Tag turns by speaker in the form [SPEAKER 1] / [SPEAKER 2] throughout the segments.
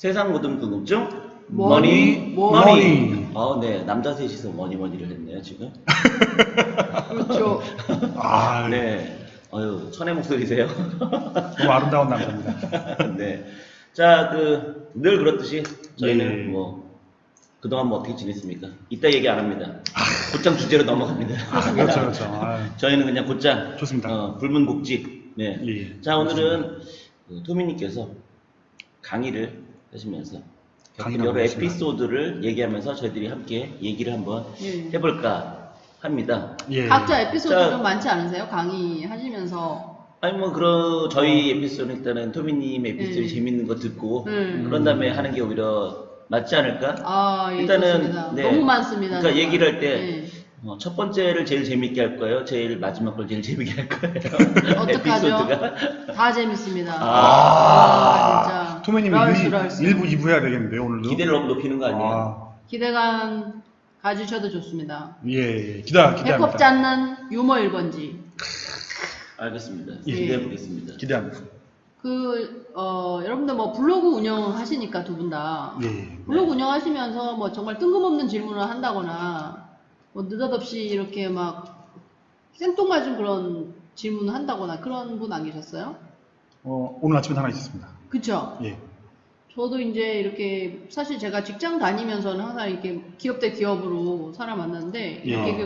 [SPEAKER 1] 세상 모든 궁금증
[SPEAKER 2] 머니.
[SPEAKER 1] 네, 남자 셋이서 머니를 했네요 지금.
[SPEAKER 2] 그렇죠.
[SPEAKER 3] 아,
[SPEAKER 1] 네, 천의 목소리세요.
[SPEAKER 3] 너무 아름다운 남자입니다.
[SPEAKER 1] 네, 자, 늘 그렇듯이 저희는
[SPEAKER 3] 예.
[SPEAKER 1] 그동안 어떻게 지냈습니까? 이따 얘기 안 합니다. 곧장 주제로 넘어갑니다.
[SPEAKER 3] 그렇죠.
[SPEAKER 1] 저희는 그냥 곧장
[SPEAKER 3] 좋습니다.
[SPEAKER 1] 불문곡지. 네.
[SPEAKER 3] 예.
[SPEAKER 1] 자, 오늘은 토미님께서 강의를 하시면서
[SPEAKER 3] 강의를
[SPEAKER 1] 여러
[SPEAKER 3] 하고 있습니다.
[SPEAKER 1] 에피소드를 얘기하면서 저희들이 함께 얘기를 한번
[SPEAKER 2] 예.
[SPEAKER 1] 해볼까 합니다.
[SPEAKER 3] 예.
[SPEAKER 2] 각자 에피소드
[SPEAKER 1] 자,
[SPEAKER 2] 좀 많지 않으세요? 강의 하시면서.
[SPEAKER 1] 아니 저희 에피소드는 일단은 토미님 에피소드 재밌는 거 듣고 그런 다음에 하는 게 오히려 낫지 않을까?
[SPEAKER 2] 아, 예,
[SPEAKER 1] 일단은
[SPEAKER 2] 좋습니다.
[SPEAKER 1] 네.
[SPEAKER 2] 너무 많습니다.
[SPEAKER 1] 그러니까
[SPEAKER 2] 정말.
[SPEAKER 1] 얘기를 할 때
[SPEAKER 2] 예.
[SPEAKER 1] 첫 번째를 제일 재밌게 할 거예요. 제일 마지막 걸 제일 재밌게 할 거예요.
[SPEAKER 2] 어떡하죠?
[SPEAKER 1] 에피소드가.
[SPEAKER 2] 다 재밌습니다.
[SPEAKER 1] 아,
[SPEAKER 2] 진짜.
[SPEAKER 3] 토메님
[SPEAKER 2] 랄수.
[SPEAKER 3] 1부, 2부 해야 되겠는데요, 오늘도?
[SPEAKER 1] 기대를 너무 높이는 거 아니에요?
[SPEAKER 2] 기대감 가지셔도 좋습니다.
[SPEAKER 3] 예. 기대합니다.
[SPEAKER 2] 해롭지 않는 유머 1번지.
[SPEAKER 1] 알겠습니다.
[SPEAKER 3] 예.
[SPEAKER 1] 기대해 보겠습니다.
[SPEAKER 3] 기대합니다.
[SPEAKER 2] 여러분들 뭐 블로그 운영하시니까 두 분 다.
[SPEAKER 3] 예.
[SPEAKER 2] 블로그 운영하시면서 뭐 정말 뜬금없는 질문을 한다거나 뭐 느닷없이 이렇게 막 생뚱맞은 그런 질문을 한다거나 그런 분 안 계셨어요?
[SPEAKER 3] 오늘 아침에 하나 있었습니다.
[SPEAKER 2] 그쵸?
[SPEAKER 3] 예.
[SPEAKER 2] 저도 이제 이렇게 사실 제가 직장 다니면서는 항상 이렇게 기업 대 기업으로 사람 만났는데
[SPEAKER 3] 예.
[SPEAKER 2] 이렇게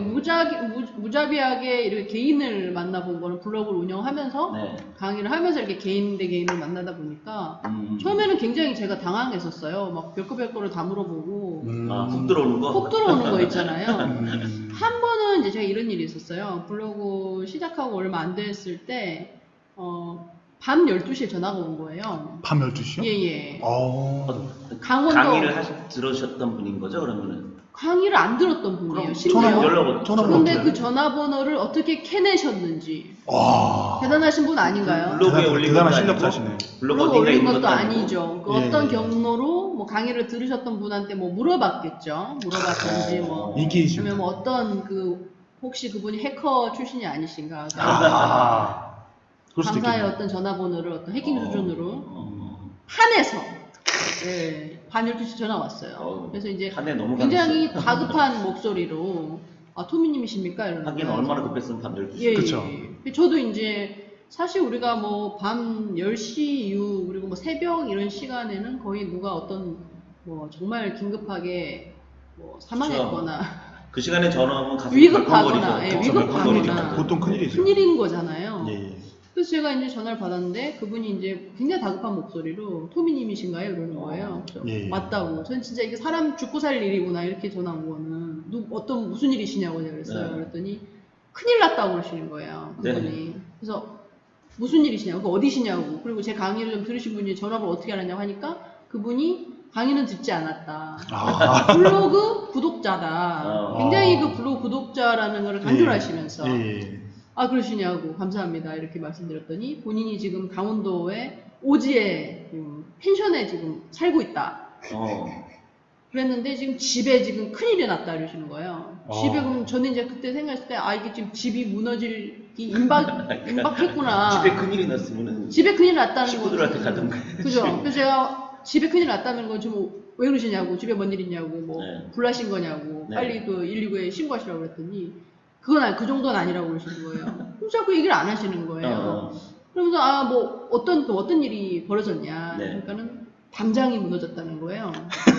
[SPEAKER 2] 무자비하게 이렇게 개인을 만나본 거는 블로그를 운영하면서
[SPEAKER 1] 네.
[SPEAKER 2] 강의를 하면서 이렇게 개인 대 개인을 만나다 보니까 처음에는 굉장히 제가 당황했었어요. 막 별거 별거를 다 물어보고
[SPEAKER 1] 훅 들어오는 거?
[SPEAKER 2] 콕 들어오는 거 있잖아요.
[SPEAKER 3] 음.
[SPEAKER 2] 한 번은 이제 제가 이런 일이 있었어요. 블로그 시작하고 얼마 안 됐을 때 밤 12시에 전화가 온 거예요.
[SPEAKER 3] 밤 12시요?
[SPEAKER 2] 예.
[SPEAKER 1] 강의를
[SPEAKER 2] 강원도
[SPEAKER 1] 들으셨던 분인 거죠, 그러면은?
[SPEAKER 2] 강의를 안 들었던 분이에요.
[SPEAKER 1] 그럼
[SPEAKER 2] 심지어.
[SPEAKER 1] 전화번호
[SPEAKER 2] 근데
[SPEAKER 3] 어떻게
[SPEAKER 2] 그 전화번호를 어떻게 캐내셨는지.
[SPEAKER 3] 와.
[SPEAKER 2] 대단하신 분 아닌가요?
[SPEAKER 1] 블로그에 올린 것도
[SPEAKER 3] 대단한
[SPEAKER 1] 아니고,
[SPEAKER 3] 실력자시네.
[SPEAKER 1] 블로그
[SPEAKER 2] 블로그
[SPEAKER 1] 어딘가에
[SPEAKER 2] 올린
[SPEAKER 1] 있는
[SPEAKER 2] 것도
[SPEAKER 1] 아니고.
[SPEAKER 2] 아니죠. 그
[SPEAKER 3] 예.
[SPEAKER 2] 어떤 경로로 뭐 강의를 들으셨던 분한테 뭐 물어봤겠죠. 물어봤던지 뭐.
[SPEAKER 3] 인기이십니다.
[SPEAKER 2] 그러면 뭐 어떤 혹시 그분이 해커 출신이 아니신가.
[SPEAKER 3] 그럴 수도
[SPEAKER 2] 강사의
[SPEAKER 3] 있겠네요.
[SPEAKER 2] 어떤 전화번호를 어떤 해킹 수준으로 판에서 밤 12시 전화 왔어요. 그래서 이제
[SPEAKER 1] 판에 너무
[SPEAKER 2] 굉장히
[SPEAKER 1] 강했어요.
[SPEAKER 2] 다급한 목소리로 토미님이십니까? 이러는
[SPEAKER 1] 하긴
[SPEAKER 2] 거예요.
[SPEAKER 1] 얼마나 급했으면 밤 12시.
[SPEAKER 2] 예,
[SPEAKER 3] 그쵸.
[SPEAKER 2] 예. 저도 이제 사실 우리가 뭐 밤 10시 이후 그리고 뭐 새벽 이런 시간에는 거의 누가 어떤 뭐 정말 긴급하게 뭐 사망했거나
[SPEAKER 1] 그 시간에 전화 오면 가슴이
[SPEAKER 2] 위급하거나,
[SPEAKER 1] 벌컹거리죠.
[SPEAKER 2] 예, 위급하거나.
[SPEAKER 3] 보통 큰일이죠.
[SPEAKER 2] 큰일인 거잖아요.
[SPEAKER 3] 예.
[SPEAKER 2] 그래서 제가 이제 전화를 받았는데 그분이 이제 굉장히 다급한 목소리로 토미님이신가요? 이러는 거예요. 그래서
[SPEAKER 3] 예.
[SPEAKER 2] 맞다고. 전 진짜 이게 사람 죽고 살 일이구나 이렇게 전화 온 거는 무슨 일이시냐고 제가 그랬어요.
[SPEAKER 1] 네.
[SPEAKER 2] 그랬더니 큰일 났다고 그러시는 거예요. 그분이.
[SPEAKER 1] 네.
[SPEAKER 2] 그래서 무슨 일이시냐고, 그 어디시냐고. 그리고 제 강의를 좀 들으신 분이 전화를 어떻게 알았냐고 하니까 그분이 강의는 듣지 않았다. 블로그 구독자다. 굉장히 그 블로그 구독자라는 걸 강조하시면서
[SPEAKER 3] 예.
[SPEAKER 2] 그러시냐고 감사합니다 이렇게 말씀드렸더니 본인이 지금 강원도의 오지에 펜션에 지금 살고 있다. 그랬는데 지금 집에 지금 큰일이 났다 이러시는 거예요. 집에 그럼 저는 이제 그때 생각했을 때 이게 지금 집이 무너질 임박했구나.
[SPEAKER 1] 집에 큰일이 났으면은
[SPEAKER 2] 집에 큰일 났다는
[SPEAKER 1] 친구들한테
[SPEAKER 2] 거는-
[SPEAKER 1] 가던가.
[SPEAKER 2] 그죠. 그래서 제가 집에 큰일 났다는 건 좀 왜 그러시냐고, 집에 뭔 일 있냐고, 뭐
[SPEAKER 1] 네.
[SPEAKER 2] 불나신 거냐고,
[SPEAKER 1] 네.
[SPEAKER 2] 빨리 그 119에 신고하시라고 그랬더니 그 정도는 아니라고 그러시는 거예요. 그럼 자꾸 얘기를 안 하시는 거예요. 그러면서 뭐 어떤 일이 벌어졌냐.
[SPEAKER 1] 네.
[SPEAKER 2] 그러니까는 담장이 무너졌다는 거예요.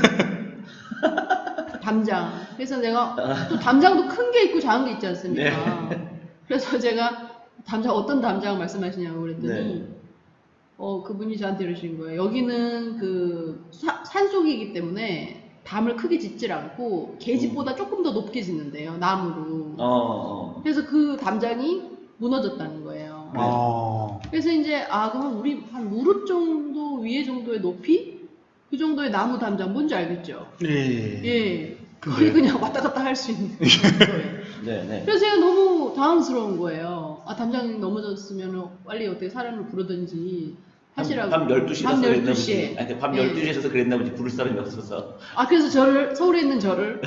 [SPEAKER 2] 담장. 그래서 내가 또 담장도 큰 게 있고 작은 게 있지 않습니까? 그래서 제가 어떤 담장 말씀하시냐고 그랬더니 그분이 저한테 이러신 거예요. 여기는 그 산속이기 때문에 담을 크게 짓질 않고 계집보다 조금 더 높게 짓는데요. 나무로. 그래서 그 담장이 무너졌다는 거예요. 그래서 이제 그럼 우리 한 무릎 정도 위에 정도의 높이? 그 정도의 나무 담장 뭔지 알겠죠? 예. 거의 그냥 왔다 갔다 할 수 있는 거예요.
[SPEAKER 1] 네.
[SPEAKER 2] 그래서 제가 너무 당황스러운 거예요. 담장이 넘어졌으면 빨리 어떻게 사람을 부르든지 하시라고.
[SPEAKER 1] 밤 12시라서
[SPEAKER 2] 밤
[SPEAKER 1] 그랬나
[SPEAKER 2] 12시에.
[SPEAKER 1] 보지. 아니, 밤 12시에서 그랬나 보지. 부를 사람이 없어서.
[SPEAKER 2] 그래서 서울에 있는 저를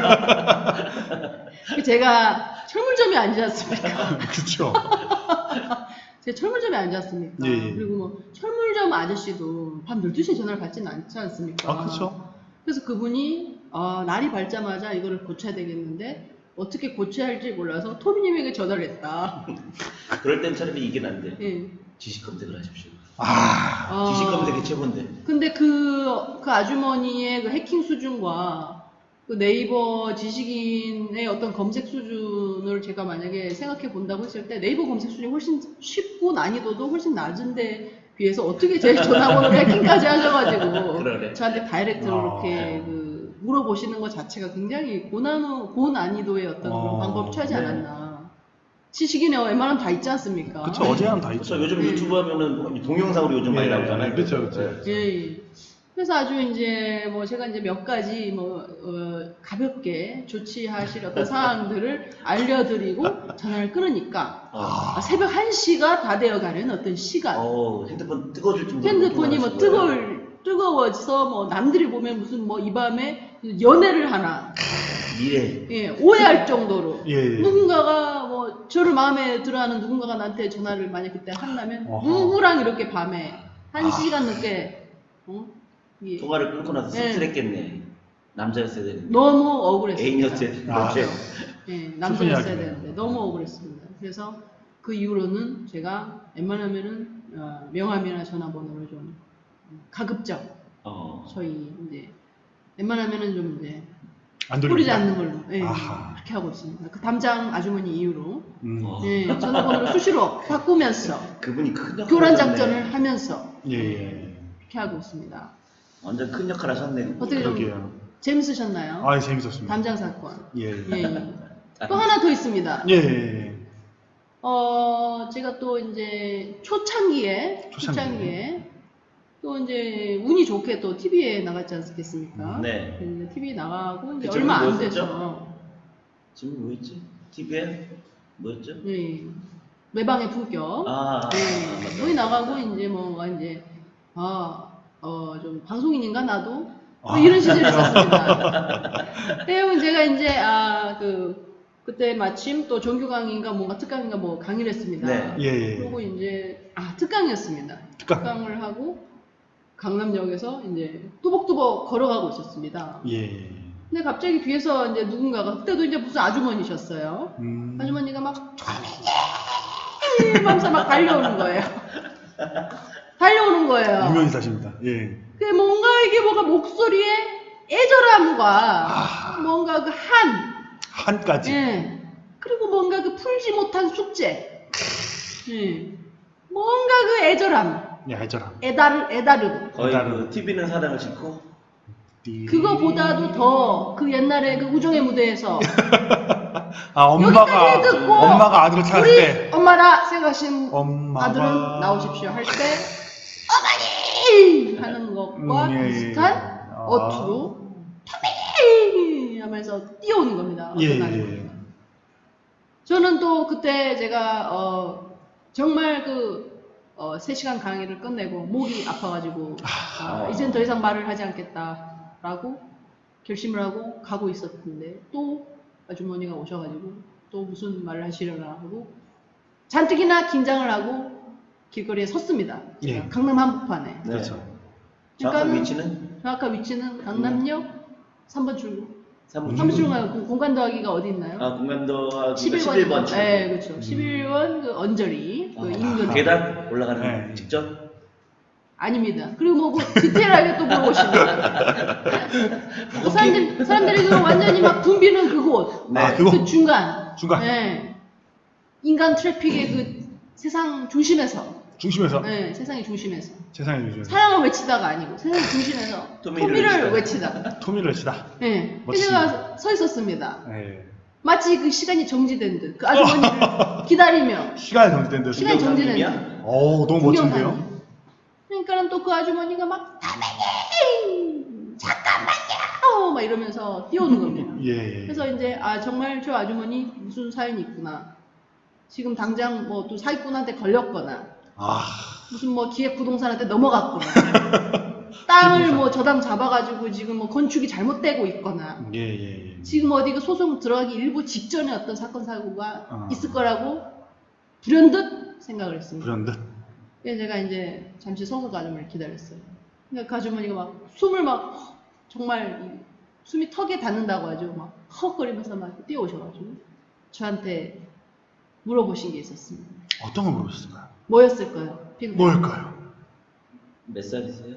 [SPEAKER 2] 제가 철물점이 아니지 않습니까?
[SPEAKER 3] 그렇죠.
[SPEAKER 2] 제 철물점에 앉았습니까?
[SPEAKER 3] 예.
[SPEAKER 2] 그리고 뭐 철물점 아저씨도 밤 12시에 전화를 받지는 않지 않습니까?
[SPEAKER 3] 아, 그렇죠.
[SPEAKER 2] 그래서 그분이 날이 밝자마자 이거를 고쳐야 되겠는데 어떻게 고쳐야 할지 몰라서 토미님에게 전화를 했다.
[SPEAKER 1] 그럴 땐 차라리 이게 난데.
[SPEAKER 2] 예.
[SPEAKER 1] 지식 검색을 하십시오.
[SPEAKER 3] 아,
[SPEAKER 1] 지식 검색이 최고인데.
[SPEAKER 2] 근데 그 아주머니의 그 해킹 수준과 그 네이버 지식인의 어떤 검색 수준을 제가 만약에 생각해 본다고 했을 때 네이버 검색 수준이 훨씬 쉽고 난이도도 훨씬 낮은데 비해서 어떻게 제 전화번호를 해킹까지 하셔가지고
[SPEAKER 1] 그러네.
[SPEAKER 2] 저한테 다이렉트로 이렇게
[SPEAKER 3] 아.
[SPEAKER 2] 그 물어보시는 것 자체가 굉장히 고난이도의 어떤 그런 방법을 취하지
[SPEAKER 1] 네.
[SPEAKER 2] 않았나. 지식인에 웬만하면 다 있지 않습니까?
[SPEAKER 3] 그쵸. 어제랑 다 있죠.
[SPEAKER 1] 그렇죠. 요즘
[SPEAKER 2] 네.
[SPEAKER 1] 유튜브 하면은 동영상으로 요즘 많이
[SPEAKER 3] 예,
[SPEAKER 1] 나오잖아요.
[SPEAKER 3] 그쵸, 그쵸.
[SPEAKER 1] 네.
[SPEAKER 2] 예. 그래서 아주 이제 뭐 제가 이제 몇 가지 뭐 가볍게 조치하실 어떤 사항들을 알려드리고 전화를 끊으니까 새벽 1시가 다 되어가는 어떤 시간.
[SPEAKER 1] 핸드폰 뜨거워질 정도로.
[SPEAKER 2] 핸드폰이 뭐 뜨거워져서 뭐 남들이 보면 무슨 뭐 이 밤에 연애를 하나.
[SPEAKER 1] 미래.
[SPEAKER 2] 예, 오해할 정도로.
[SPEAKER 3] 예.
[SPEAKER 2] 누군가가 뭐 저를 마음에 들어하는 누군가가 나한테 전화를 만약 그때 한다면
[SPEAKER 3] 어허.
[SPEAKER 2] 누구랑 이렇게 밤에 1시간 늦게 예.
[SPEAKER 1] 통화를 끊고 나서
[SPEAKER 2] 네.
[SPEAKER 1] 씁쓸했겠네. 남자였어야 되는데.
[SPEAKER 2] 너무 억울했어요.
[SPEAKER 1] 애인이었어야 되는데.
[SPEAKER 3] 아.
[SPEAKER 2] 예, 남자였어야
[SPEAKER 3] 슬픈
[SPEAKER 2] 되는데
[SPEAKER 3] 이야기네요.
[SPEAKER 2] 너무 억울했습니다. 그래서 그 이후로는 제가 웬만하면은 명함이나 전화번호를 좀 가급적 저희 이제 웬만하면은 좀 이제
[SPEAKER 3] 안
[SPEAKER 2] 뿌리지
[SPEAKER 3] 돌립니다.
[SPEAKER 2] 않는 걸로 예,
[SPEAKER 3] 아하.
[SPEAKER 2] 그렇게 하고 있습니다. 그 담장 아주머니 이후로
[SPEAKER 1] 어.
[SPEAKER 2] 예, 전화번호를 수시로 바꾸면서
[SPEAKER 1] 그분이 큰 역할
[SPEAKER 2] 교란
[SPEAKER 1] 하셨네.
[SPEAKER 2] 작전을 하면서
[SPEAKER 3] 예.
[SPEAKER 2] 그렇게 하고 있습니다.
[SPEAKER 1] 완전 큰 역할 하셨네.
[SPEAKER 2] 어떻게 좀
[SPEAKER 3] 그러게요.
[SPEAKER 2] 재밌으셨나요?
[SPEAKER 3] 아, 재밌었습니다.
[SPEAKER 2] 담장 사건.
[SPEAKER 3] 예.
[SPEAKER 2] 예, 예. 또 하나 더 있습니다.
[SPEAKER 3] 예.
[SPEAKER 2] 제가 또 이제 초창기에
[SPEAKER 3] 초창기에.
[SPEAKER 2] 또 이제 운이 좋게 또 TV에 나갔지 않겠습니까?
[SPEAKER 1] 네.
[SPEAKER 2] 그래서 TV에 나가고 이제
[SPEAKER 1] 그쵸,
[SPEAKER 2] 얼마 안
[SPEAKER 1] 뭐였었죠?
[SPEAKER 2] 돼서
[SPEAKER 1] 지금 뭐였지? TV에? 뭐였죠?
[SPEAKER 2] 예, 매방의 품격.
[SPEAKER 1] 맞다.
[SPEAKER 2] 거기 나가고 이제 뭐가 이제 좀 방송인인가 나도 뭐 이런 시절이 있었습니다. 때문에 제가 이제 그때 마침 또 정규 강의인가 뭔가 특강인가 뭐 강의를 했습니다.
[SPEAKER 1] 네.
[SPEAKER 3] 예.
[SPEAKER 2] 그리고 이제 특강이었습니다. 특강을 하고 강남역에서 이제 뚜벅뚜벅 걸어가고 있었습니다.
[SPEAKER 3] 예.
[SPEAKER 2] 근데 갑자기 뒤에서 이제 누군가가 그때도 이제 무슨 아주머니셨어요.
[SPEAKER 3] 음.
[SPEAKER 2] 아주머니가 막 하면서 막 달려오는 거예요. 달려오는 거예요.
[SPEAKER 3] 유명인사십니다. 예.
[SPEAKER 2] 그 뭔가 이게 목소리에 애절함과 뭔가 그
[SPEAKER 3] 한까지.
[SPEAKER 2] 예. 그리고 뭔가 그 풀지 못한 숙제. 예. 뭔가 그 애절함.
[SPEAKER 3] 예, 알잖아.
[SPEAKER 2] 애다름.
[SPEAKER 1] 거의 그 TV는 사랑을 싣고.
[SPEAKER 2] 그거보다도 더 그 옛날에 그 우정의 무대에서
[SPEAKER 3] 엄마가
[SPEAKER 2] 여기까지 듣고
[SPEAKER 3] 아들을 찾을
[SPEAKER 2] 우리
[SPEAKER 3] 때
[SPEAKER 2] 엄마라 생각하신
[SPEAKER 3] 엄마가
[SPEAKER 2] 아들은 나오십시오 할 때 어머니 하는 것과
[SPEAKER 3] 예.
[SPEAKER 2] 비슷한 어투로 토미 하면서 뛰어오는 겁니다.
[SPEAKER 3] 예.
[SPEAKER 2] 어떤 아주머니가. 저는 또 그때 제가 정말 3시간 강의를 끝내고 목이 아파가지고 이젠 더 이상 말을 하지 않겠다라고 결심을 하고 가고 있었는데 또 아주머니가 오셔가지고 또 무슨 말을 하시려나 하고 잔뜩이나 긴장을 하고 길거리에 섰습니다.
[SPEAKER 3] 예.
[SPEAKER 2] 강남 한복판에.
[SPEAKER 1] 네.
[SPEAKER 3] 그렇죠.
[SPEAKER 1] 정확한
[SPEAKER 2] 그러니까는
[SPEAKER 1] 위치는?
[SPEAKER 2] 정확한 위치는 강남역 3번 출구.
[SPEAKER 1] 3번
[SPEAKER 2] 출구 말고 공간 더하기가 어디 있나요?
[SPEAKER 1] 공간도
[SPEAKER 2] 11번.
[SPEAKER 1] 11번.
[SPEAKER 2] 네, 그렇죠. 11번 그 언저리 그 인근.
[SPEAKER 1] 계단 올라가는
[SPEAKER 3] 네.
[SPEAKER 1] 직전?
[SPEAKER 2] 아닙니다. 그리고 디테일하게 또 물어보십니다. 사람들이 그 완전히 막 붐비는 그곳.
[SPEAKER 1] 네.
[SPEAKER 3] 그거?
[SPEAKER 2] 그 중간.
[SPEAKER 3] 중간.
[SPEAKER 2] 네. 인간 트래픽의 그 세상 중심에서.
[SPEAKER 3] 중심에서
[SPEAKER 2] 네, 세상의 중심에서.
[SPEAKER 3] 세상에 중심에서
[SPEAKER 2] 사랑을 외치다가 아니고 세상의 중심에서 토미를 외치다.
[SPEAKER 3] 토미를 외치다.
[SPEAKER 2] 네.
[SPEAKER 3] 멋지습니다.
[SPEAKER 2] 제가 서 있었습니다.
[SPEAKER 3] 예.
[SPEAKER 2] 마치 그 시간이 정지된 듯. 그 아주머니를 기다리며.
[SPEAKER 3] 시간이 정지된 듯.
[SPEAKER 2] 시간이 정지된 듯.
[SPEAKER 3] 너무 멋진데요?
[SPEAKER 2] 그러니까 또 그 아주머니가 막 다메님 잠깐만요 막 이러면서 뛰어오는 겁니다.
[SPEAKER 3] 예.
[SPEAKER 2] 그래서 이제 정말 저 아주머니 무슨 사연이 있구나. 지금 당장 뭐 또 사기꾼한테 걸렸거나 무슨 뭐 기획부동산한테 넘어갔거나 땅을 뭐 저당 잡아가지고 지금 뭐 건축이 잘못되고 있거나
[SPEAKER 3] 예.
[SPEAKER 2] 지금 어디 그 소송 들어가기 일부 직전에 어떤 사건 사고가 있을 거라고 불현듯 생각을 했습니다.
[SPEAKER 3] 불현듯.
[SPEAKER 2] 그래서 제가 이제 잠시 서서 그 아주머니를 기다렸어요. 그러니까 그 아주머니가 막 숨을 막 정말 숨이 턱에 닿는다고 하죠. 막 헉거리면서 막 뛰어오셔가지고 저한테 물어보신 게 있었습니다.
[SPEAKER 3] 어떤 걸 물어보셨을까요?
[SPEAKER 2] 뭐였을까요? 핑크.
[SPEAKER 3] 뭘까요?
[SPEAKER 1] 몇 살이세요?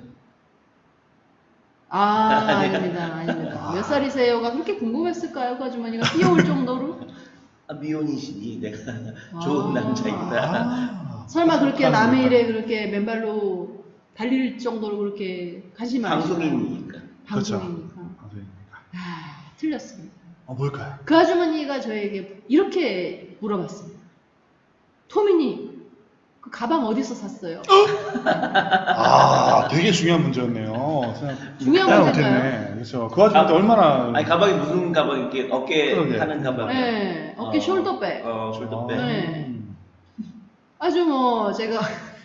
[SPEAKER 2] 아닙니다. 아닙니다. 몇 살이세요가 그렇게 궁금했을까요? 그 아주머니가 뛰어올 정도로?
[SPEAKER 1] 아, 미혼이시니 내가 좋은 남자이다.
[SPEAKER 3] 아,
[SPEAKER 2] 설마 그렇게
[SPEAKER 3] 착한
[SPEAKER 2] 남의
[SPEAKER 3] 분이다.
[SPEAKER 2] 일에 그렇게 맨발로 달릴 정도로 그렇게 관심이 많으시나요?
[SPEAKER 1] 방송인이니까.
[SPEAKER 3] 그렇죠.
[SPEAKER 2] 방송이니까.
[SPEAKER 3] 방송이니까.
[SPEAKER 2] 틀렸습니다.
[SPEAKER 3] 뭘까요?
[SPEAKER 2] 그 아주머니가 저에게 이렇게 물어봤습니다. 토미님, 그 가방 어디서 샀어요?
[SPEAKER 3] 아, 되게 중요한 문제였네요.
[SPEAKER 2] 중요한
[SPEAKER 3] 생각
[SPEAKER 2] 문제인가요?
[SPEAKER 3] 못했네. 그렇죠. 그 아줌마한테 얼마나.
[SPEAKER 1] 아니 가방이 무슨 가방 이렇게 어깨
[SPEAKER 3] 그러게.
[SPEAKER 1] 하는 가방.
[SPEAKER 2] 네, 어깨 숄더백.
[SPEAKER 1] 숄더백.
[SPEAKER 2] 네. 아주 뭐 제가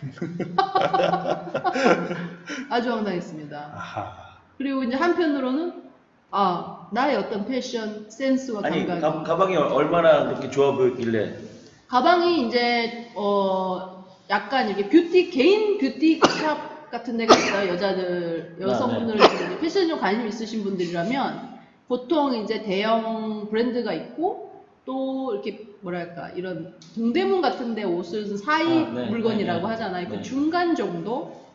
[SPEAKER 2] 아주 황당했습니다.
[SPEAKER 3] 아하.
[SPEAKER 2] 그리고 이제 한편으로는 나의 어떤 패션 센스와
[SPEAKER 1] 아니
[SPEAKER 2] 감각이
[SPEAKER 1] 가방이 얼마나 그렇게 좋아 보였길래.
[SPEAKER 2] 가방이 이제 약간 이렇게 개인 뷰티샵 같은 데가 있어요. 여성분들 이제 패션에 좀 관심 있으신 분들이라면 보통 이제 대형 브랜드가 있고 또 이렇게 뭐랄까 이런 동대문 같은 데 옷을 사이
[SPEAKER 1] 네,
[SPEAKER 2] 물건이라고
[SPEAKER 1] 네, 네.
[SPEAKER 2] 하잖아요. 그
[SPEAKER 1] 네.
[SPEAKER 2] 중간 정도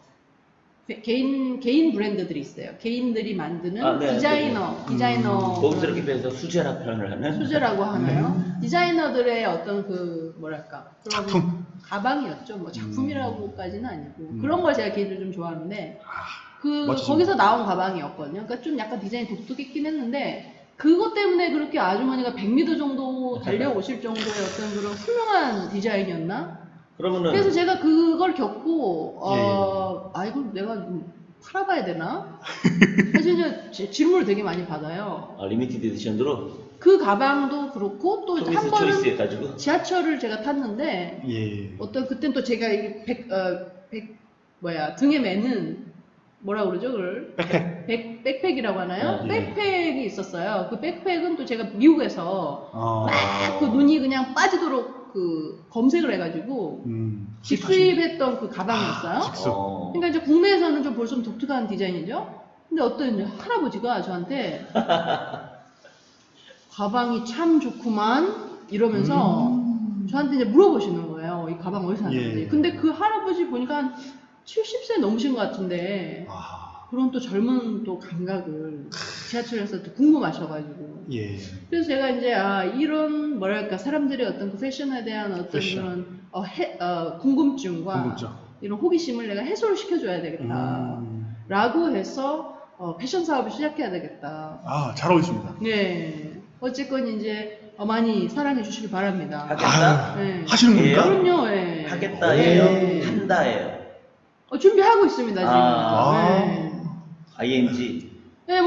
[SPEAKER 2] 개인 브랜드들이 있어요. 개인들이 만드는 디자이너
[SPEAKER 1] 거기서 이렇게 빼서 수제라 표현을 하는.
[SPEAKER 2] 수제라고 하나요? 디자이너들의 어떤 그 뭐랄까 그런
[SPEAKER 3] 작품.
[SPEAKER 2] 가방이었죠. 뭐 작품이라고까지는 아니고 그런 걸 제가 개인적으로 좀 좋아하는데
[SPEAKER 3] 멋지십니다.
[SPEAKER 2] 거기서 나온 가방이었거든요. 그러니까 좀 약간 디자인이 독특했긴 했는데 그것 때문에 그렇게 아주머니가 100m 정도 달려오실 정도의 어떤 그런 훌륭한 디자인이었나?
[SPEAKER 1] 그러면은
[SPEAKER 2] 그래서 제가 그걸 겪고
[SPEAKER 3] 예.
[SPEAKER 2] 이걸 내가 좀 팔아봐야 되나? 사실 이제 질문을 되게 많이 받아요.
[SPEAKER 1] 리미티드 에디션으로
[SPEAKER 2] 그 가방도 그렇고 또 한
[SPEAKER 1] 초이스
[SPEAKER 2] 번은
[SPEAKER 1] 해가지고.
[SPEAKER 2] 지하철을 제가 탔는데
[SPEAKER 3] 예.
[SPEAKER 2] 그땐 또 제가 이게 등에 매는 뭐라 그러죠 그걸? 백팩이라고 하나요?
[SPEAKER 1] 예.
[SPEAKER 2] 백팩이 있었어요. 그 백팩은 또 제가 미국에서 막 그
[SPEAKER 3] 아.
[SPEAKER 2] 눈이 그냥 빠지도록 그 검색을 해가지고 직수입했던 그 가방이었어요.
[SPEAKER 3] 직수.
[SPEAKER 2] 그러니까 이제 국내에서는 좀 볼 수 없는 독특한 디자인이죠. 근데 어떤 이제 할아버지가 저한테 가방이 참 좋구만 이러면서 저한테 이제 물어보시는 거예요. 이 가방 어디서 샀는지.
[SPEAKER 3] 예.
[SPEAKER 2] 근데 그 할아버지 보니까 한 70세 넘으신 것 같은데 그런 또 젊은 또 감각을 지하철에서 또 궁금하셔가지고.
[SPEAKER 3] 예.
[SPEAKER 2] 그래서 제가 이제 이런 뭐랄까 사람들의 어떤 그 패션에 대한 어떤
[SPEAKER 3] 패션.
[SPEAKER 2] 그런 궁금증과
[SPEAKER 3] 궁금증.
[SPEAKER 2] 이런 호기심을 내가 해소를 시켜줘야 되겠다. 라고 해서 패션 사업을 시작해야 되겠다.
[SPEAKER 3] 잘 어울리십니다.
[SPEAKER 2] 네. 어쨌건 이제 많이 사랑해 주시기 바랍니다.
[SPEAKER 1] 하겠다.
[SPEAKER 2] 네.
[SPEAKER 3] 하시는 겁니까?
[SPEAKER 2] 그럼요. 예.
[SPEAKER 1] 하겠다예요.
[SPEAKER 2] 네.
[SPEAKER 1] 한다예요.
[SPEAKER 2] 준비하고 있습니다 지금. 네.
[SPEAKER 1] ing.
[SPEAKER 2] 네,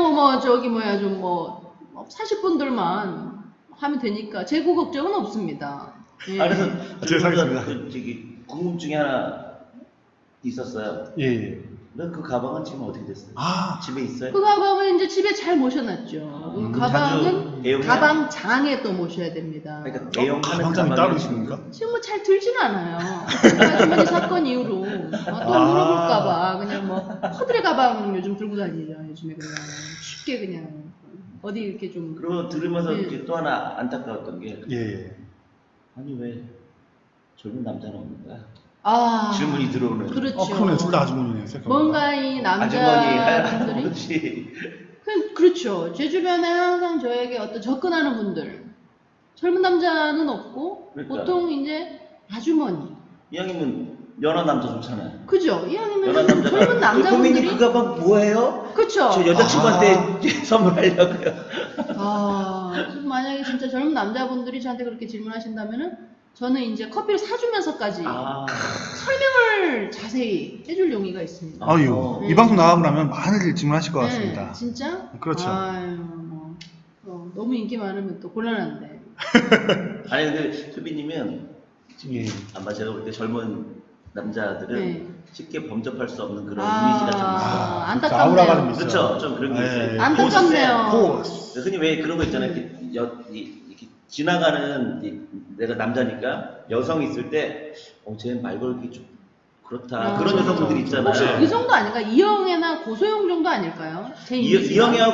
[SPEAKER 2] 사실 분들만 하면 되니까 재고 걱정은 없습니다. 예.
[SPEAKER 1] 그래서
[SPEAKER 3] 제가 사겠습니다.
[SPEAKER 1] 궁금증이 하나 있었어요.
[SPEAKER 3] 예.
[SPEAKER 1] 그 가방은 지금 어떻게 됐어요? 집에 있어요?
[SPEAKER 2] 그 가방은 이제 집에 잘 모셔놨죠. 그 가방은
[SPEAKER 1] 자주
[SPEAKER 2] 가방장에 또 모셔야 됩니다.
[SPEAKER 1] 그러니까 대용하는
[SPEAKER 3] 가방장이 따로 있습니까?
[SPEAKER 2] 지금 뭐 잘 들진 않아요. 아주머니 사건 이후로 또 물어볼까봐 그냥 뭐 허드레 가방 요즘 들고 다니죠. 요즘에 그냥 쉽게 그냥 어디 이렇게 좀.
[SPEAKER 1] 그리고 들으면서
[SPEAKER 2] 네.
[SPEAKER 1] 이렇게 또 하나 안타까웠던 게
[SPEAKER 3] 예.
[SPEAKER 1] 아니 왜 젊은 남자는 없는 거야? 질문이 들어오는.
[SPEAKER 2] 그렇죠.
[SPEAKER 3] 그러네. 둘 다 아주머니네. 생각해보니까.
[SPEAKER 2] 뭔가 이
[SPEAKER 1] 아주머니,
[SPEAKER 2] 남자분들이
[SPEAKER 1] 할아버지.
[SPEAKER 2] 그렇죠. 제 주변에 항상 저에게 어떤 접근하는 분들 젊은 남자는 없고
[SPEAKER 1] 그러니까.
[SPEAKER 2] 보통 이제 아주머니.
[SPEAKER 1] 이왕이면 연하 남자 좋잖아요.
[SPEAKER 2] 그죠? 이왕이면
[SPEAKER 1] 연하 남자가
[SPEAKER 2] 젊은 남자분들이
[SPEAKER 1] 고민이 그 가방 뭐예요?
[SPEAKER 2] 그쵸?
[SPEAKER 1] 저 여자친구한테 선물하려고요.
[SPEAKER 2] 만약에 진짜 젊은 남자분들이 저한테 그렇게 질문하신다면은 저는 이제 커피를 사주면서까지 설명을 자세히 해줄 용의가 있습니다.
[SPEAKER 3] 아유, 이 방송 나가고 나면 많은 질문하실 것 같습니다.
[SPEAKER 2] 네, 진짜?
[SPEAKER 3] 그렇죠.
[SPEAKER 2] 너무 인기 많으면 또 곤란한데.
[SPEAKER 1] 아니 근데 소비님은
[SPEAKER 3] 예.
[SPEAKER 1] 아마 제가 볼 때 젊은 남자들은
[SPEAKER 2] 네.
[SPEAKER 1] 쉽게 범접할 수 없는 그런 이미지가 좀 있어요.
[SPEAKER 2] 안타깝네요.
[SPEAKER 3] 아우라가 좀 있어요.
[SPEAKER 1] 그렇죠, 좀 그런 게 있어요.
[SPEAKER 2] 안타깝네요.
[SPEAKER 3] 포스.
[SPEAKER 1] 흔히 왜 그런 거 있잖아요. 이렇게 지나가는 내가 남자니까 여성이 있을 때 쟤 말 걸기 좀 그렇다. 그런 여성분들 있잖아요.
[SPEAKER 2] 혹시 그 정도 아닌가? 이영애나 고소영 정도 아닐까요? 제 이미지가.
[SPEAKER 1] 이영애와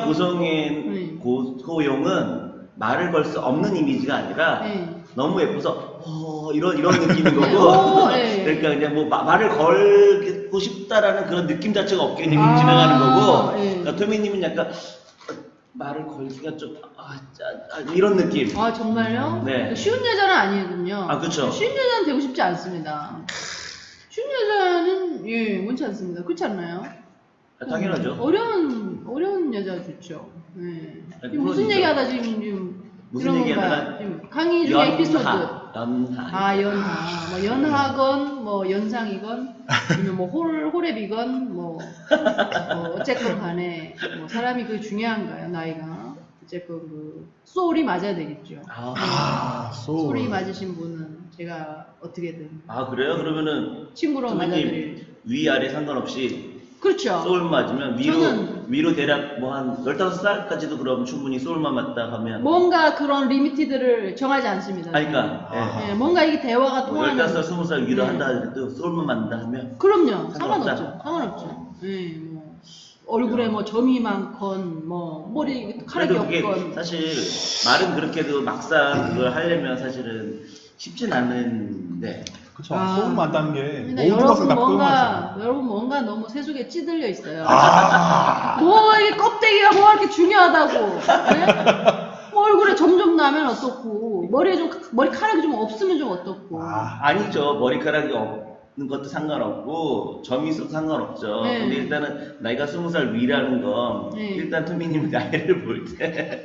[SPEAKER 1] 고소영은 말을 걸 수 없는 이미지가 아니라 너무 예뻐서 이런 느낌인 거고 그러니까 그냥 뭐 말을 걸고 싶다라는 그런 느낌 자체가 없게 그냥 지나가는 거고 그러니까 토미님은 약간 말을 걸기가 좀 이런 느낌.
[SPEAKER 2] 아 정말요?
[SPEAKER 1] 네.
[SPEAKER 2] 쉬운 여자는 아니거든요.
[SPEAKER 1] 아 그렇죠.
[SPEAKER 2] 쉬운 여자는 되고 싶지 않습니다. 쉬운 여자는 원치 않습니다. 그렇지 않나요?
[SPEAKER 1] 당연하죠.
[SPEAKER 2] 어려운 여자 좋죠. 네.
[SPEAKER 1] 아니,
[SPEAKER 2] 무슨
[SPEAKER 1] 물론이죠.
[SPEAKER 2] 얘기하다 지금
[SPEAKER 1] 무슨
[SPEAKER 2] 이런
[SPEAKER 1] 얘기하다가
[SPEAKER 2] 건가요? 지금 강의 중 에피소드.
[SPEAKER 1] 연하.
[SPEAKER 2] 연하. 뭐 연하건 뭐 연상이건 아니면 뭐 홀랩이건 뭐 어쨌건 간에 뭐 사람이 그게 중요한가요? 나이가. 어쨌건 그 소울이 맞아야 되겠죠. 소울이 맞으신 분은 제가 어떻게든
[SPEAKER 1] 그래요? 그러면은
[SPEAKER 2] 친구로 맞아드릴.
[SPEAKER 1] 위아래 상관없이
[SPEAKER 2] 그렇죠.
[SPEAKER 1] 소울 맞으면 위로 대략 뭐 한 15살까지도 그럼 충분히 소울만 맞다 하면
[SPEAKER 2] 뭔가 그런 리미티드를 정하지 않습니다.
[SPEAKER 1] 그러니까
[SPEAKER 2] 뭔가 이게 대화가 통하는
[SPEAKER 1] 15살, 20살 위로 한다 해도 소울만 맞는다 하면
[SPEAKER 2] 그럼요.
[SPEAKER 1] 상관없다.
[SPEAKER 2] 상관없죠. 뭐 얼굴에 뭐 점이 많건 뭐 머리카락이
[SPEAKER 1] 그래도 그게
[SPEAKER 2] 없건
[SPEAKER 1] 사실 말은 그렇게도 막상 그걸 하려면 사실은 쉽진 않은데
[SPEAKER 3] 그쵸. 소울 맞다는 게
[SPEAKER 2] 근데
[SPEAKER 3] 모든 것을 다 포용하죠.
[SPEAKER 2] 여러분 뭔가 너무 세속에 찌들려 있어요. 뭐 이게 껍데기가 뭐가 이렇게 중요하다고. 네? 뭐 얼굴에 점 좀 나면 어떻고 머리카락이 좀 없으면 좀 어떻고.
[SPEAKER 1] 아니죠. 머리카락이 없는 것도 상관없고 점이 있어도 상관없죠. 근데 일단은 나이가 20살 위라는 건 일단 토미님 나이를 볼 때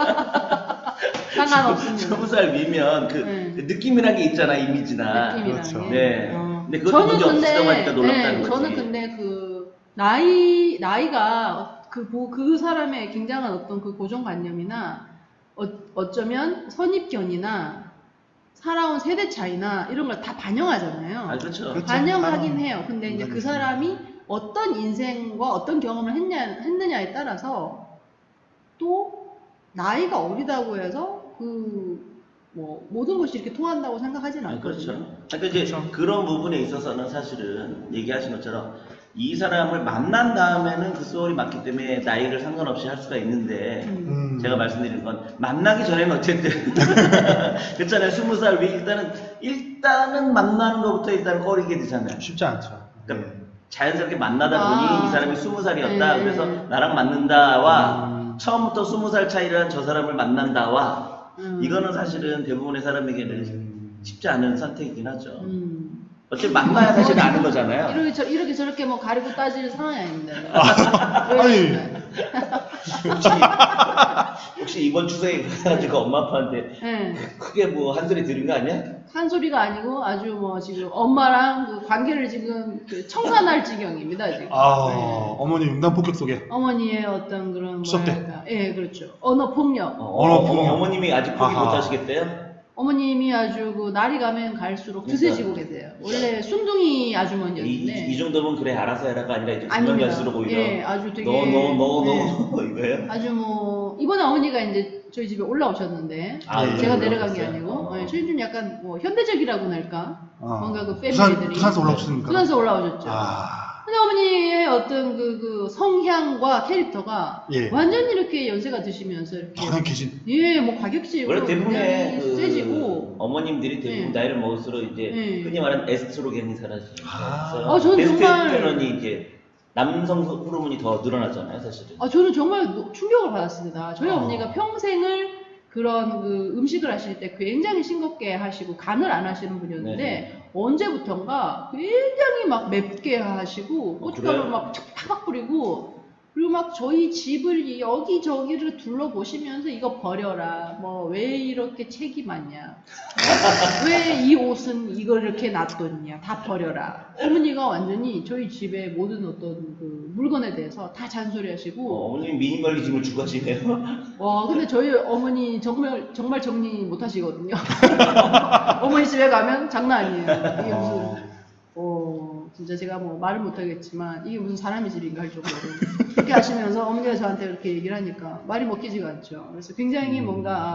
[SPEAKER 2] 상관없습니다.
[SPEAKER 1] 20살 위면 그 느낌이란 게 있잖아, 이미지나.
[SPEAKER 3] 그렇죠.
[SPEAKER 1] 네. 근데 그것도 문제 없으시다고 하니까 놀랍다는 거지.
[SPEAKER 2] 저는 근데 그 나이가 그 사람의 굉장한 어떤 그 고정관념이나 어쩌면 선입견이나 살아온 세대 차이나 이런 걸 다 반영하잖아요.
[SPEAKER 1] 그렇죠.
[SPEAKER 2] 반영하긴 해요. 근데 이제 그 사람이 어떤 인생과 어떤 경험을 했느냐에 따라서 또 나이가 어리다고 해서 뭐 모든 것이 이렇게 통한다고 생각하지는 않거든요.
[SPEAKER 1] 그렇죠. 그러니까 이제 그런 부분에 있어서는 사실은 얘기하신 것처럼 이 사람을 만난 다음에는 그 소울이 맞기 때문에 나이를 상관없이 할 수가 있는데 제가 말씀드린 건 만나기 전에는 어쨌든 그렇잖아요. 20살 위 일단은 만나는 것부터 일단 꺼리게 되잖아요.
[SPEAKER 3] 쉽지 않죠.
[SPEAKER 1] 그러니까 자연스럽게 만나다 보니 이 사람이 20살이었다. 그래서 나랑 맞는다와 처음부터 20살 차이란 저 사람을 만난다와 이거는 사실은 대부분의 사람에게는 쉽지 않은 선택이긴 하죠. 어차피 만나야 사실 아는 거잖아요.
[SPEAKER 2] 이렇게 저렇게 뭐 가리고 따질 상황이 아닙니다.
[SPEAKER 3] 아니.
[SPEAKER 1] 혹시 이번 추석에 가가지고 엄마 아빠한테 크게 뭐 한 소리 들은 거 아니야?
[SPEAKER 2] 한 소리가 아니고 아주 뭐 지금 엄마랑 그 관계를 지금 청산할 지경입니다 지금.
[SPEAKER 3] 어머니 융단 폭격 속에.
[SPEAKER 2] 어머니의 어떤 그런
[SPEAKER 3] 수업대.
[SPEAKER 2] 그렇죠. 언어 폭력.
[SPEAKER 1] 어머님이 아직 포기 못 하시겠대요?
[SPEAKER 2] 어머님이 아주 그 날이 가면 갈수록 드세지고 계세요. 원래 순둥이 아주머니였는데.
[SPEAKER 1] 이 정도면 그래 알아서 해라가 아니라 이제 가면 갈수록 오히려
[SPEAKER 2] 아주 되게
[SPEAKER 1] 너 이거예요?
[SPEAKER 2] 아주 뭐 이번에 어머니가 이제 저희 집에 올라오셨는데 제가 내려간 게 아니고 저희 좀 약간 뭐 현대적이라고 할까? 뭔가 그 패밀리들이
[SPEAKER 3] 부산에서 올라오셨습니까?
[SPEAKER 2] 부산에서 올라오셨죠. 근데 어머니의 어떤 그 성향과 캐릭터가 완전히 이렇게 연세가 드시면서 이렇게
[SPEAKER 3] 계신.
[SPEAKER 2] 뭐 과격지고
[SPEAKER 1] 원래 대부분의
[SPEAKER 2] 세지고
[SPEAKER 1] 어머님들이 대부분 나이를 먹을수록 이제 흔히 말하는 에스트로겐이 사라지죠.
[SPEAKER 2] 저는
[SPEAKER 1] 테스토스테론이 이제 남성 호르몬이 더 늘어나잖아요, 사실은.
[SPEAKER 2] 저는 정말 충격을 받았습니다. 저희 어머니가 평생을 그런 그 음식을 하실 때 굉장히 싱겁게 하시고 간을 안 하시는 분이었는데 언제부턴가 굉장히 막 맵게 하시고 고춧가루 막 팍팍 뿌리고 그리고 막 저희 집을 여기저기를 둘러보시면서 이거 버려라. 뭐 왜 이렇게 책이 많냐. 왜 이 옷은 이걸 이렇게 놔뒀냐. 다 버려라. 어머니가 완전히 저희 집의 모든 어떤 그 물건에 대해서 다 잔소리하시고.
[SPEAKER 1] 어머니 미니멀리즘을 추구하시네요.
[SPEAKER 2] 근데 저희 어머니 정말 정리 못 하시거든요. 어머니 집에 가면 장난 아니에요. 이게 무슨 진짜 제가 뭐 말을 못하겠지만 이게 무슨 사람의 집인가 할 정도로 그렇게 하시면서 어머니가 저한테 이렇게 얘기를 하니까 말이 먹히지가 않죠. 그래서 굉장히 뭔가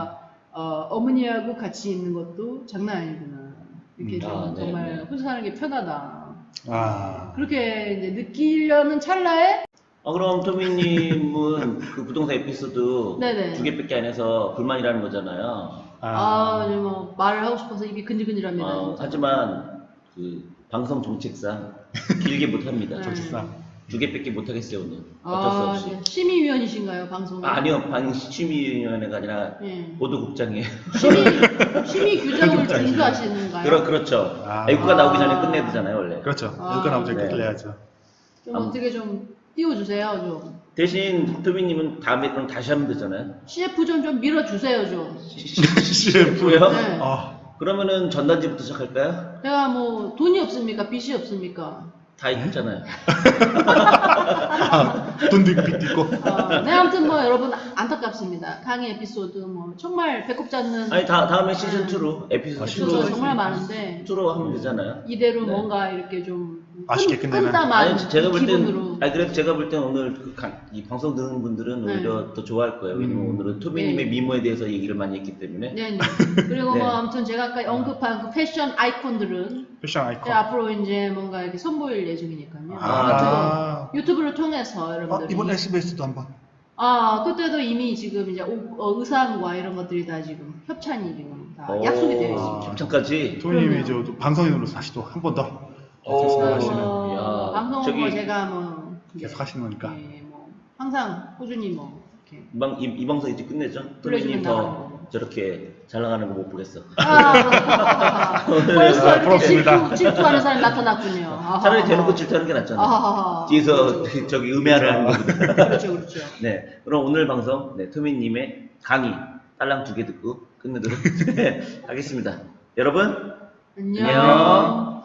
[SPEAKER 2] 어머니하고 같이 있는 것도 장난 아니구나. 이렇게 좀
[SPEAKER 1] 네,
[SPEAKER 2] 정말
[SPEAKER 1] 네.
[SPEAKER 2] 혼자 사는 게 편하다.
[SPEAKER 3] 아.
[SPEAKER 2] 그렇게 이제 느끼려는 찰나에
[SPEAKER 1] 그럼 토미님은 그 부동산 에피소드
[SPEAKER 2] 네네.
[SPEAKER 1] 2개밖에 안 해서 불만이라는 거잖아요.
[SPEAKER 2] 이제 뭐 말을 하고 싶어서 입이 근질근질합니다. 진짜.
[SPEAKER 1] 하지만 그 방송 정책상 길게 못합니다.
[SPEAKER 2] 네.
[SPEAKER 3] 정책상.
[SPEAKER 1] 2개밖에 못하겠어요 오늘. 어쩔 수 없이.
[SPEAKER 2] 네. 심의위원이신가요, 방송?
[SPEAKER 1] 아니요, 방심위원회가 아니라
[SPEAKER 2] 예.
[SPEAKER 1] 보도국장이에요.
[SPEAKER 2] 심의 규정을
[SPEAKER 3] 국장이시죠.
[SPEAKER 2] 준수하시는가요?
[SPEAKER 1] 그렇죠.
[SPEAKER 3] 아.
[SPEAKER 1] 애국가 나오기 전에 끝내야 되잖아요 원래.
[SPEAKER 3] 그렇죠.
[SPEAKER 2] 아.
[SPEAKER 3] 여기까 나오지
[SPEAKER 1] 네.
[SPEAKER 3] 끝내야죠.
[SPEAKER 2] 좀 어떻게 좀 띄워주세요, 좀.
[SPEAKER 1] 대신 토미님은 다음에 그럼 다시 하면 되잖아요.
[SPEAKER 2] CF 좀 밀어주세요, 좀.
[SPEAKER 3] CF요?
[SPEAKER 2] 네.
[SPEAKER 1] 그러면은 전단지부터 시작할까요?
[SPEAKER 2] 제가 뭐 돈이 없습니까? 빚이 없습니까?
[SPEAKER 1] 다 있잖아요.
[SPEAKER 3] 돈도 있고 빚도 있고.
[SPEAKER 2] 네, 아무튼 뭐 여러분 안타깝습니다. 강의 에피소드 뭐 정말 배꼽 잡는
[SPEAKER 1] 아니 다음에 시즌 2로 에피소드
[SPEAKER 2] 에피소드가
[SPEAKER 1] 2로
[SPEAKER 2] 정말 많은데
[SPEAKER 1] 2로 하면 되잖아요.
[SPEAKER 2] 이대로
[SPEAKER 1] 네.
[SPEAKER 2] 뭔가 이렇게 좀
[SPEAKER 3] 맛있게 끝내면.
[SPEAKER 2] 끈담한
[SPEAKER 1] 아니 제가 볼
[SPEAKER 2] 기분으로.
[SPEAKER 1] 땐, 그래도 제가 볼 땐 오늘 이 방송 듣는 분들은
[SPEAKER 2] 네.
[SPEAKER 1] 오히려 더 좋아할 거예요. 왜냐면 오늘은 토미님의
[SPEAKER 2] 네.
[SPEAKER 1] 미모에 대해서 얘기를 많이 했기 때문에.
[SPEAKER 2] 네, 네. 그리고
[SPEAKER 1] 네.
[SPEAKER 2] 뭐 아무튼 제가 아까 언급한 그 패션 아이콘들은
[SPEAKER 3] 패션 아이콘.
[SPEAKER 2] 이제 앞으로 이제 뭔가 이렇게 선보일 예정이니까요.
[SPEAKER 3] 아.
[SPEAKER 2] 유튜브를 통해서 여러분들이
[SPEAKER 3] 이번 SBS도 한번.
[SPEAKER 2] 그때도 이미 지금 이제 의상과 이런 것들이 다 지금 협찬이 지금 다 약속이 되어 있습니다.
[SPEAKER 1] 협찬까지.
[SPEAKER 3] 토니님이 저 방송인으로서 다시 또 한 번 더 말씀하시는
[SPEAKER 1] 야,
[SPEAKER 2] 방송은
[SPEAKER 1] 저기-
[SPEAKER 2] 뭐 제가 뭐
[SPEAKER 3] 계속 하시는 거니까.
[SPEAKER 2] 예, 뭐 항상 꾸준히 뭐 이렇게
[SPEAKER 1] 이 방송 이제 끝내죠?
[SPEAKER 2] 불러주면
[SPEAKER 1] 토미님
[SPEAKER 2] 나가는
[SPEAKER 1] 더
[SPEAKER 2] 거고.
[SPEAKER 1] 저렇게 잘 나가는 거 못 보겠어.
[SPEAKER 2] 벌써 이렇게
[SPEAKER 3] 부럽습니다.
[SPEAKER 2] 질투하는 사람이 나타났군요.
[SPEAKER 1] 차라리 대놓고 질투하는 게 낫잖아요.
[SPEAKER 2] 아하하.
[SPEAKER 1] 뒤에서 저기 음해를 하는 거보다.
[SPEAKER 2] 그렇죠, 그렇죠.
[SPEAKER 1] 네, 그럼 오늘 방송 토미님의 강의 딸랑 2개 듣고 끝내도록 하겠습니다. 여러분
[SPEAKER 2] 안녕.
[SPEAKER 1] 안녕.